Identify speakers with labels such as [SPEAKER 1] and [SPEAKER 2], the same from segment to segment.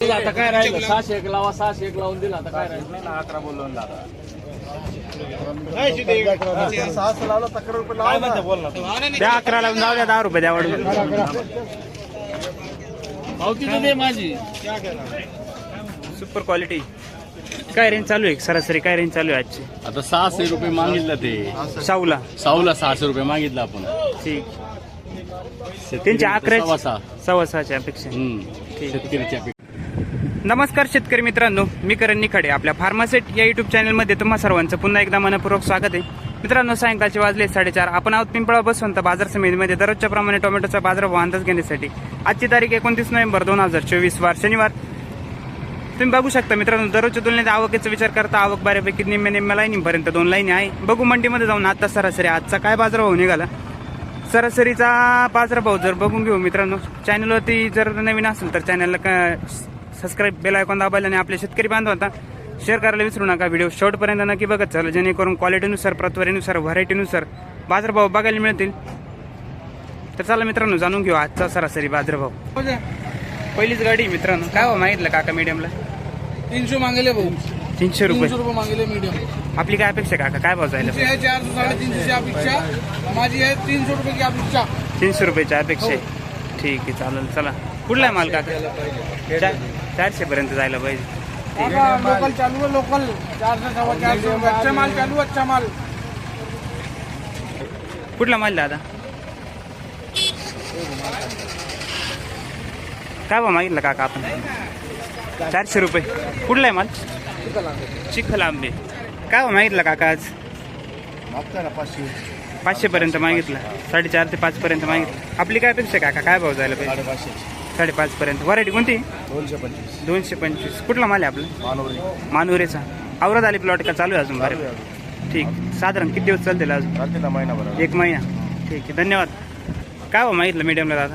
[SPEAKER 1] दिला आता काय राहिलं 601 लावा 601 लावून दिला आता काय राहिलं 11 बोलवून दादा
[SPEAKER 2] द्या 11 लावून जाऊ द्या 10 रुपये द्या वाढून
[SPEAKER 1] पावती तर दे माझी
[SPEAKER 2] सुपर क्वालिटी काय रेंज चालू आहे सरासरी काय रेंज चालू आहे आजची
[SPEAKER 1] आता 600 रुपये मागितलं ते
[SPEAKER 2] साऊला
[SPEAKER 1] 600 रुपये मागितलं आपण
[SPEAKER 2] ठीक त्यांची 11
[SPEAKER 1] 6.5
[SPEAKER 2] 6.5च्या अपेक्षा
[SPEAKER 1] शेतकऱ्याची अपेक्षा.
[SPEAKER 2] नमस्कार शेतकरी मित्रांनो, मी करण निखाडे. आपल्या फार्मासेट या युट्यूब चॅनलमध्ये तुम्हा सर्वांचं पुन्हा एकदा मनपूर्वक स्वागत आहे. मित्रांनो, सायंकाळचे वाजले 4:30. आपण आहोत पिंपळा बसवंत बाजार समितीमध्ये दररोजच्या प्रमाणे टोमॅटोचा बाजारभाव अंदाज घेण्यासाठी. आजची तारीख 29 नोव्हेंबर 2024 वार शनिवार. तुम्ही बघू शकता मित्रांनो, दररोजच्या तुलनेत आवकेचा विचार करता आवक बऱ्यापैकी निम्म्या लाईनीपर्यंत 2 लाईनी आहे. बघू मंडीमध्ये जाऊन आता सरासरी आजचा काय बाजारभाव निघाला. सरासरीचा बाजारभाव जर बघून घेऊ मित्रांनो, चॅनलवरती जर नवीन असेल तर चॅनलला सबस्क्राईब बेल आयकॉन दाबायला आणि आपल्या शेतकरी बांधवांना शेअर करायला विसरू नका. व्हिडिओ शेवटपर्यंत नक्की बघत चला, जेणेकरून क्वालिटीनुसार प्रतवारीनुसार व्हरायटीनुसार बाजारभाव बघायला मिळतील. तर चला मित्रांनो, जाणून घेऊ आजचा सरासरी बाजारभाव. पहिलीच गाडी मित्रांनो, काय भाव मागितलं काका मीडियमला?
[SPEAKER 3] 300 मागेले भाऊ.
[SPEAKER 2] 300 रुपये.
[SPEAKER 3] 300 रुपये मागेले मीडियम.
[SPEAKER 2] आपली काय अपेक्षा काका, काय भाव जायला?
[SPEAKER 3] 400 350 ची अपेक्षा माझी आहे. 300 रुपये की अपेक्षा.
[SPEAKER 2] 300 रुपयाची अपेक्षा. ठीक आहे, चालेल. चला, कुठला आहे माल काका? 400 पर्यंत जायला पाहिजे.
[SPEAKER 3] लोकल चालू आहे, लोकल 400 रुपये. अच्छा माल चालू, अच्छा माल.
[SPEAKER 2] कुठला माल दादा? काय भाव मागितलं काका आपण? 400 रुपये. कुठला आहे माल? चिखल आंबे. काय भाव मागितलं काका आज? 500 पर्यंत मागितलं. 4.5 ते 5 पर्यंत मागितलं. आपली काय अपेक्षा काका, काय भाव जायला पाहिजे? 5.5 पर्यंत. व्हरायटी कोणती? 225. कुठला माल आहे आपला? मानुरेचा. आवरत आली प्लॉट का चालू आहे अजून? बरे, ठीक. साधारण किती दिवस चालतील अजून? 1 महिना. ठीक आहे, धन्यवाद. काय भाव मागितलं मीडियमला दादा?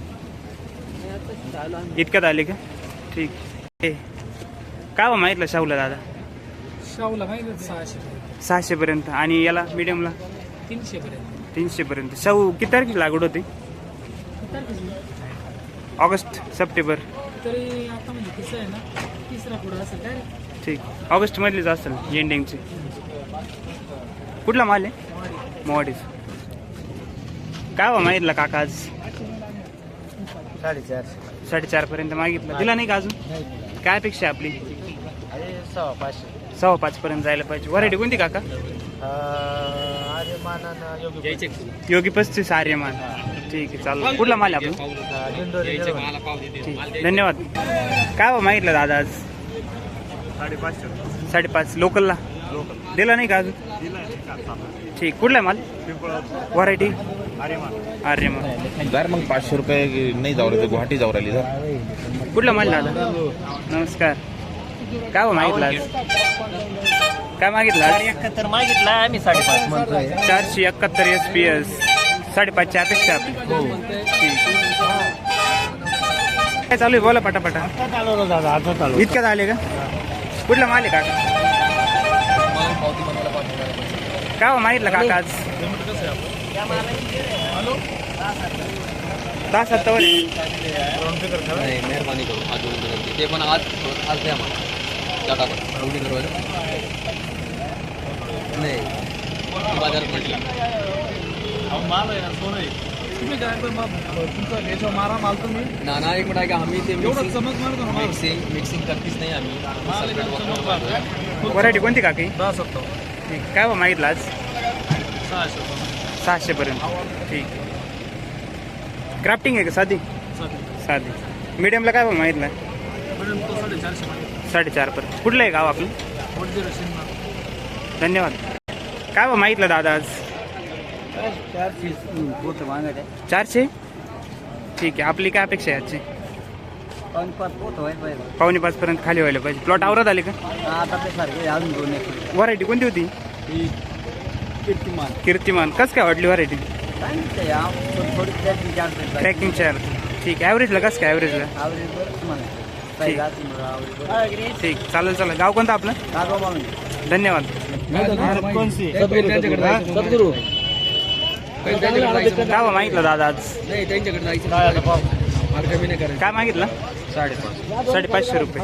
[SPEAKER 2] इतक्यात आले का? ठीक. काय भाव मागितलं शाहूला दादा?
[SPEAKER 3] शाहूला माहिती
[SPEAKER 2] 600 पर्यंत. आणि याला मीडियमला? 300 पर्यंत. शाहू किती तारखेची लागवड होती? August September.
[SPEAKER 3] तरी आता म्हणजे कसं आहे ना, तिसरा पुढं असेल काय.
[SPEAKER 2] ठीक, ऑगस्ट मधलीच असेल एंडिंगची. कुठला माल आहे? मोवाडीच. काय भाव मागितला काका आज? 4.5 पर्यंत मागितलं. दिला नाही का अजून? काय अपेक्षा आपली? 5.5 पर्यंत जायला पाहिजे. व्हरायटी कोणती काका? योगी 35 आर्यमान. ठीक आहे, चालू. कुठला माल आहे आपण? ठीक, धन्यवाद. काय भाव मागितलं दादा आज? 5.5. लोकलला दिला नाही का अजून? ठीक. कुठला माल? व्हरायटी आर्यमान.
[SPEAKER 4] जर मग 500 रुपये नाही जाऊ राहिले, गुवाहाटी जाऊ राहिली.
[SPEAKER 2] कुठला माल दादा? नमस्कार. काय भाव मागितला आज? काय मागितलं?
[SPEAKER 5] 71 मागितला आम्ही 5.5 म्हणतोय.
[SPEAKER 2] 471 SPS. 5.5ची अपेक्षा आपली. ठीक. काय चालू आहे बोला पटापटा. इतक्यात आले का? कुठला माल आहे काका? काय भाव मागितलं काका आज? 10-7 वर.
[SPEAKER 5] मेहरबानी करू आज ते पण आज द्या मला एवढी करू नाही बाजारात म्हटलं
[SPEAKER 3] मारा माल तुम्ही
[SPEAKER 5] ना एक मिनिट आहे का आम्ही ते
[SPEAKER 3] समज मारतो ना.
[SPEAKER 5] मिक्सिंग करतीच नाही आम्ही.
[SPEAKER 2] व्हरायटी कोणती काकी?
[SPEAKER 3] 10-7.
[SPEAKER 2] ठीक. काय भाव मागितलं आज? 600 पर्यंत. ठीक. क्राफ्टिंग आहे का साधी? साधी. मीडियमला काय भाव मागितलं? 4.5 पर्यंत. कुठलं आहे गाव आपलं? धन्यवाद. काय भाव मागितलं दादा आज? 400. ठीक आहे. आपली काय अपेक्षा आहे आजची? 5.5 पर्यंत खाली व्हायला पाहिजे. प्लॉट आवरत आले का? व्हरायटी कोणती होती? कीर्तिमान. कसं काय वाटली व्हरायटी? Tracking charge. ठीक. ॲव्हरेजला कसं काय? ॲव्हरेजला ठीक. चालेल. चला, गाव कोणतं आपलं? धन्यवाद. काय मागितलं दादा आज?
[SPEAKER 5] नाही त्यांच्याकडे जायचं.
[SPEAKER 2] काय मागितलं? 550 रुपये.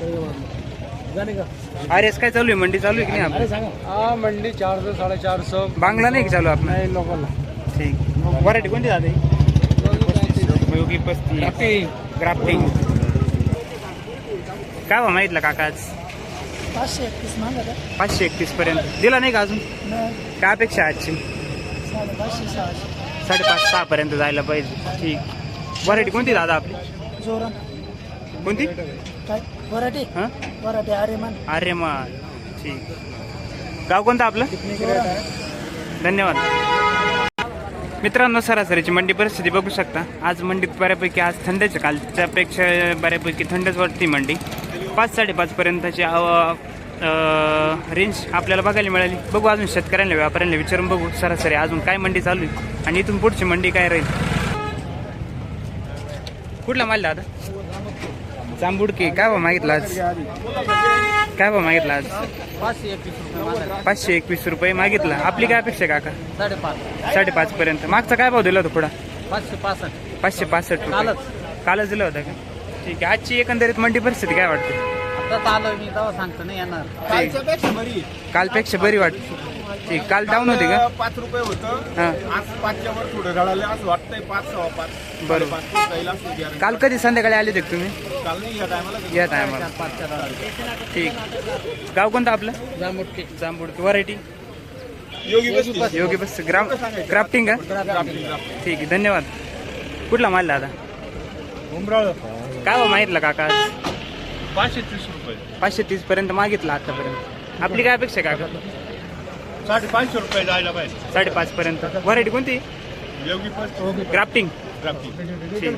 [SPEAKER 2] RS काय चालू आहे? मंडी चालू आहे की नाही आपली?
[SPEAKER 3] हा मंडी 400 450.
[SPEAKER 2] बांगला नाही की चालू आपला?
[SPEAKER 3] नाही लोकल.
[SPEAKER 2] ठीक. व्हरायटी कोणती दादा? योगी 35 ग्राफ्टिंग. काय भाव मागितला काका आज?
[SPEAKER 6] 531 मागत
[SPEAKER 2] 531 पर्यंत दिला नाही का अजून? काय अपेक्षा आहे आजची? 5.5-6 पर्यंत जायला पाहिजे. ठीक. व्हरायटी कोणती दादा आपली?
[SPEAKER 6] जोरान
[SPEAKER 2] कोणती?
[SPEAKER 6] काय वराटे
[SPEAKER 2] हां
[SPEAKER 6] वराटे आर्यमान
[SPEAKER 2] अरे मग ठीक. गाव कोणतं आपलं? धन्यवाद. मित्रांनो, सरासरीची मंडी परिस्थिती बघू शकता. आज मंडीत बऱ्यापैकी आज थंडच, कालच्यापेक्षा बऱ्यापैकी थंडच वाटते मंडी. 5-5.5 पर्यंतची रेंज आपल्याला बघायला मिळाली. बघू अजून शेतकऱ्यांना व्यापाऱ्यांना विचारून बघू सरासरी अजून काय मंडी चालू आहे आणि इथून पुढची मंडी काय राहील. कुठला माल दादा? जांबुडकी. काय भाव मागितला आज? काय भाव मागितला आज? 521 रुपये मागितला. आपली काय अपेक्षा काका? 5.5 पर्यंत. मागचा काय भाव दिला होता पुढा? 565 रुपये. कालच दिला होता का? ठीक आहे. आजची एकंदरीत मंडी परिस्थिती काय वाटते?
[SPEAKER 5] सांगतो नाही येणार.
[SPEAKER 2] कालपेक्षा बरी वाटते. ठीक. काल डाऊन होते का?
[SPEAKER 3] 5 रुपये होतं.
[SPEAKER 2] हां
[SPEAKER 3] आज 5च्या वर थोडं घडाले असं वाटतंय. 5-5.5.
[SPEAKER 2] बरोबर.
[SPEAKER 3] बरोबर.
[SPEAKER 2] काल कधी संध्याकाळी आले होते का तुम्ही?
[SPEAKER 3] काल नाही या टायमाला.
[SPEAKER 2] या टायमाला. ठीक. गाव कोणतं आपलं? जांबुडकी. व्हरायटी योगी बस ग्राफ्टिंग का? ठीक आहे. धन्यवाद. कुठला माल दादा? काय भाव मागितला काका?
[SPEAKER 3] 530 रुपये.
[SPEAKER 2] 530 पर्यंत मागितला आतापर्यंत. आपली काय अपेक्षा काका?
[SPEAKER 3] 550 रुपये जायला पाहिजे.
[SPEAKER 2] 5.5 पर्यंत. व्हरायटी कोणती?
[SPEAKER 3] योगी
[SPEAKER 2] ग्राफ्टिंग. ठीक.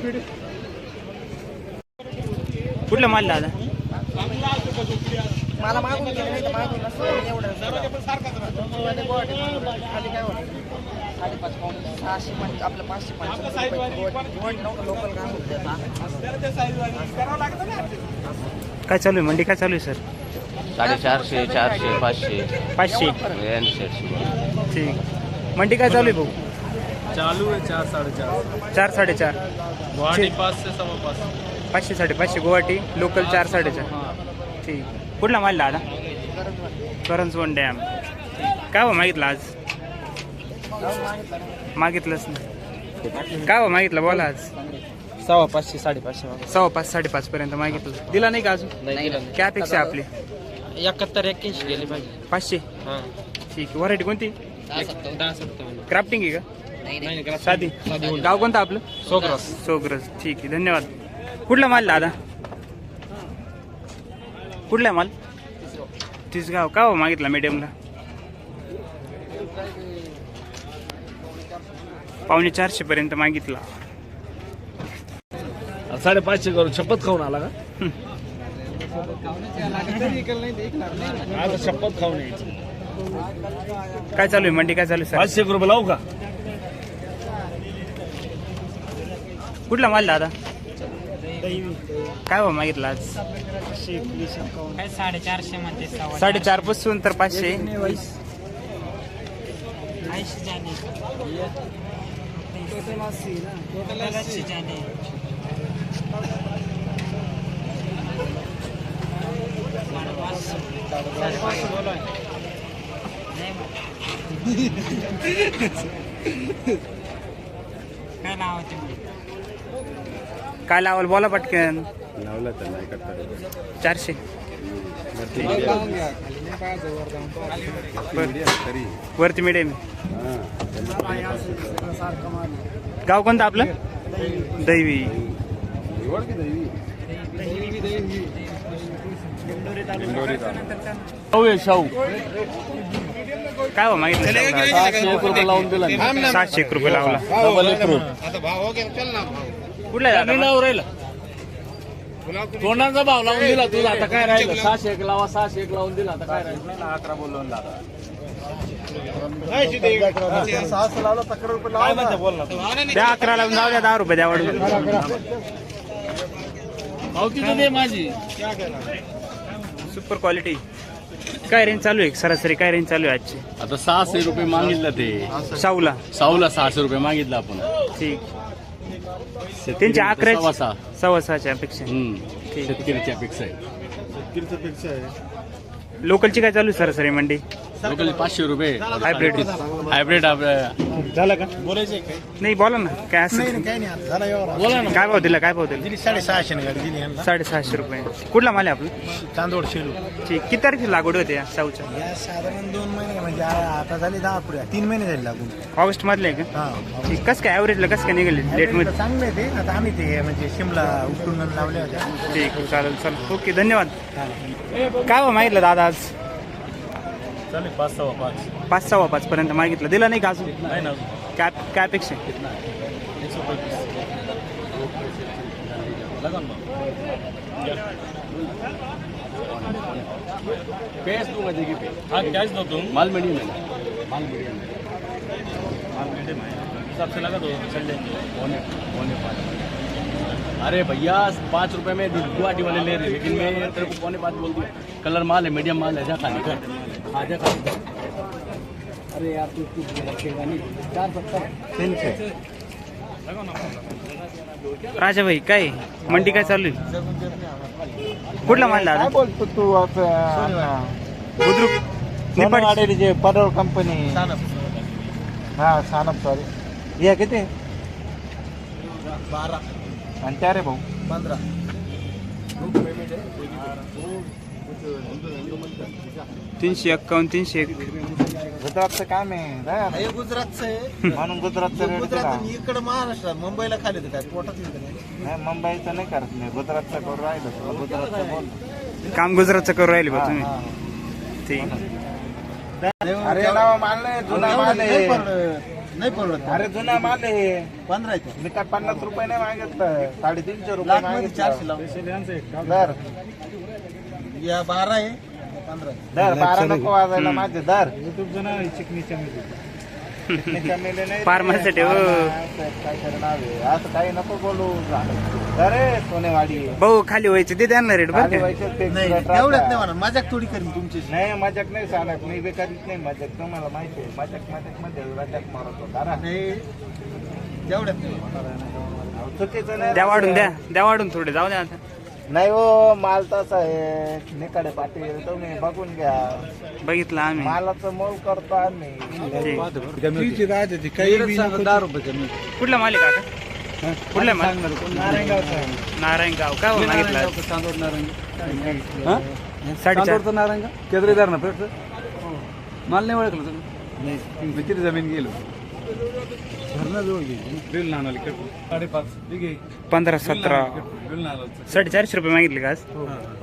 [SPEAKER 2] कुठला माल दादा?
[SPEAKER 6] मला मागून गेलं नाही तर मागून नसतं एवढं खाली काय होतं 650 आपलं 550 लोकल काम होतं.
[SPEAKER 2] काय चालू आहे मंडी? काय चालू आहे सर?
[SPEAKER 5] 450, 400, 500,
[SPEAKER 2] 500.
[SPEAKER 5] 800.
[SPEAKER 2] ठीक. मंडी काय चालू आहे भाऊ?
[SPEAKER 3] चालू आहे 4-4.5.
[SPEAKER 2] 4-4.5.
[SPEAKER 3] गुवाहाटी 5 से 5.5.
[SPEAKER 2] 500-550 गुवाहाटी. लोकल 4-4.5. ठीक. कुठला माल दादा? करंजवन डॅम. काय भाव मागितला आज? मागितलंच नाही. काय भाव मागितला बोला आज?
[SPEAKER 1] 500 550
[SPEAKER 2] 5.5-5.5 पर्यंत मागितलं. दिला नाही का अजून? काय अपेक्षा आहे आपली?
[SPEAKER 1] 71-81 गेली पाहिजे.
[SPEAKER 2] 500. ठीक आहे. व्हरायटी कोणती? क्राफ्टिंग आहे का? साधी. गाव कोणतं आपलं? सोग्रस. ठीक आहे. धन्यवाद. कुठला माल दादा? कुठला माल? तिसगाव. का हो मागितला मीडियमला? 450 पर्यंत मागितला.
[SPEAKER 1] 550 करून शपथ खाऊन आला का? आता शपथ खाऊन यायची.
[SPEAKER 2] काय चालू आहे मंडी? काय चालू आहे सर?
[SPEAKER 1] 500 रुपये लावू का?
[SPEAKER 2] कुठला माल दादा? काय भाव मागितला आज?
[SPEAKER 6] 450 मध्ये
[SPEAKER 2] 4.5 पासून तर 500.
[SPEAKER 6] 80 जाने टोटल 80 जाने. काय लावते
[SPEAKER 2] काय लावाल बोला पटकन. 400. वरती मिडियम. गाव कोणतं आपलं? दैवी.
[SPEAKER 1] शाहू
[SPEAKER 2] काय हो मागितलं?
[SPEAKER 1] 701 रुपये लावून दिला.
[SPEAKER 2] 701 रुपये लावला. कुठला आहे दादा?
[SPEAKER 1] तोंडाचा भाव लावून दिला तुला. आता काय राहिलं?
[SPEAKER 5] 601 लावा, 601 लावून दिला आता काय राहील?
[SPEAKER 3] 11 बोलून लागला.
[SPEAKER 2] द्या 11 लावून जाऊ द्या. 10 रुपये द्या वाढून.
[SPEAKER 1] पावती तर दे माझी.
[SPEAKER 2] Super quality. काय रेंज चालू आहे सरासरी? काय रेंज चालू आहे आजची?
[SPEAKER 7] आता 600 रुपये मागितलं ते
[SPEAKER 2] शाहूला.
[SPEAKER 7] साऊला 600 रुपये मागितलं आपण.
[SPEAKER 2] ठीक. त्यांचे 11 6.5 अपेक्षा ठीक.
[SPEAKER 7] शेतकऱ्याची अपेक्षा आहे.
[SPEAKER 2] लोकलची काय चालू आहे सरासरी मंडी?
[SPEAKER 7] लोकल 500 रुपये.
[SPEAKER 2] हायब्रिड
[SPEAKER 7] हायब्रिड
[SPEAKER 2] झालं का?
[SPEAKER 3] बोलायचं काय
[SPEAKER 2] नाही बोला ना काय असं
[SPEAKER 3] काही नाही आता झाला एवढा
[SPEAKER 7] बोला ना.
[SPEAKER 2] काय भाव दिला? काय भाव दिला?
[SPEAKER 3] 650 गाडी दिली यांना
[SPEAKER 2] 650 रुपये. कुठला माल आहे आपलं?
[SPEAKER 3] चांदोड शेलू
[SPEAKER 2] ठीक. किती तारखेला लागवड होते या साऊच्या?
[SPEAKER 3] या साधारण 2 महिने म्हणजे आता झाले 10 पुढे 3 महिने झाले लागून
[SPEAKER 2] ऑगस्ट मधले आहे का?
[SPEAKER 3] हा
[SPEAKER 2] ठीक. कसं काय ॲव्हरेजला कसं काय निघाले डेट मध्ये?
[SPEAKER 3] चांगले ते आता आम्ही ते म्हणजे शिमला उठून लावले होत्या
[SPEAKER 2] ठीक चालेल चालेल ओके धन्यवाद. काय भाव मागितलं दादा आज?
[SPEAKER 3] चालेल 5-5
[SPEAKER 2] 5.5 पर्यंत मागितलं. दिला नाही का अजून?
[SPEAKER 3] नाही ना
[SPEAKER 2] काय काय अपेक्षा?
[SPEAKER 3] 125
[SPEAKER 7] कैश दूंगा देखिए पे.
[SPEAKER 3] हाँ कैश दो तुम
[SPEAKER 7] माल मीडियम है. माल मीडियम है.
[SPEAKER 3] हिसाब से लगा दो चल जाएंगे
[SPEAKER 7] पौने 5. अरे भैया 5 रुपए में गुवाहाटी वाले ले रहे, लेकिन मैं तेरे को पौने 5 बोल दिया. कलर माल है, मीडियम माल है. जा खाने का. हाँ जा खाने का. अरे यार तू रखेगा नहीं. 470.
[SPEAKER 2] राजा भाई काय मंडी काय चालू आहे? कुठला माल दादा?
[SPEAKER 3] बोलतो तू
[SPEAKER 2] बुद्रुक निपाट.
[SPEAKER 3] जे पडोळ कंपनी हा सानप सॉरी या किती 12 आणि त्या रे भाऊ 15
[SPEAKER 2] 351 301.
[SPEAKER 3] गुजरातचं काम आहे हे गुजरातचं आहे म्हणून गुजरातचं रेट गुजरात इकडे महाराष्ट्रात मुंबईला खाली काय पोटात नाही मुंबईचं नाही करत नाही गुजरातचं करून राहिलं गुजरातचं बोल
[SPEAKER 2] काम गुजरातचं करू राहिले बा तुम्ही. ठीक.
[SPEAKER 3] अरे नाव माल नाही जुना माल आहे नाही परवडत अरे जुना माल आहे 15 मी काय 50 रुपये नाही मागितलं 350 रुपये मागितलं दर या 12 आहे 15 दर 12 नको वाजायला माझे दर युट्यूब जण चिकनीच्या मेले नाही
[SPEAKER 2] फार्मासाठी हो
[SPEAKER 3] काय करणार आहे असं काही नको बोलू अरे सोनेवाडी
[SPEAKER 2] भाऊ खाली व्हायचे ते त्यांना रेट बरं का?
[SPEAKER 3] एवढ्यात नाही म्हणा मजाक थोडी करीन तुमची नाही मजाक नाही सांगत मी बेकारीच नाही मजाक तुम्हाला माहिती आहे मजाक मध्ये मजाक मारतो तेवढ्यात नाही चुकीचं नाही
[SPEAKER 2] द्या वाढून द्या वाढून थोडे जाऊ द्या आता.
[SPEAKER 3] नाही हो माल तसा आहे निकडे पाटील तुम्ही बघून घ्या
[SPEAKER 2] बघितलं आम्ही.
[SPEAKER 3] मालाचं मोल करतो आम्ही
[SPEAKER 2] ठीक.
[SPEAKER 3] 10 रुपये कमी
[SPEAKER 2] कुठला माल आहे काका? कुठला माल? नारायणगाव. काय भाव मागितला?
[SPEAKER 7] चांदोड नारंगी.
[SPEAKER 2] 4.5.
[SPEAKER 7] नारंगा केद्रेदार ना पेट माल नाही ओळखलं तुम्ही? किती जमीन गेलो?
[SPEAKER 2] 15 17 450 रुपये मागितले का आज?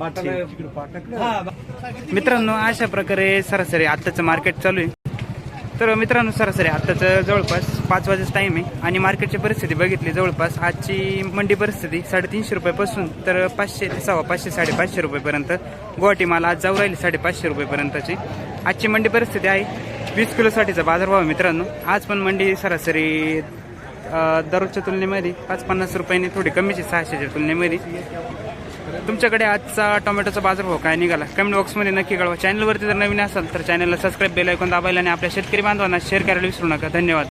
[SPEAKER 2] मित्रांनो अशा प्रकारे सरासरी आत्ताचं मार्केट चालू आहे. तर मित्रांनो सरासरी आत्ताचं जवळपास 5 वाजेचा टाईम आहे आणि मार्केटची परिस्थिती बघितली जवळपास आजची मंडी परिस्थिती 350 रुपयापासून तर 500 ते 550 550 रुपयेपर्यंत गुवाहाटी माल आज जाऊ राहिली 550 रुपयेपर्यंतची आजची मंडी परिस्थिती आहे. 20 किलोसाठीचा बाजारभाव आहे मित्रांनो. आज पण मंडी सरासरी दररोजच्या तुलनेमध्ये 5-50 रुपयांनी थोडी कमीची 600च्या तुलनेमध्ये. तुमच्याकडे आजचा टोमॅटोचा बाजारभाव काय निघाला कमेंट बॉक्समध्ये नक्की कळवा. चॅनलवरती जर नवीन असाल तर चॅनलला सबस्क्राईब बेल ऐकून दाबायला आणि आपल्या शेतकरी बांधवांना शेअर करायला विसरू नका. धन्यवाद.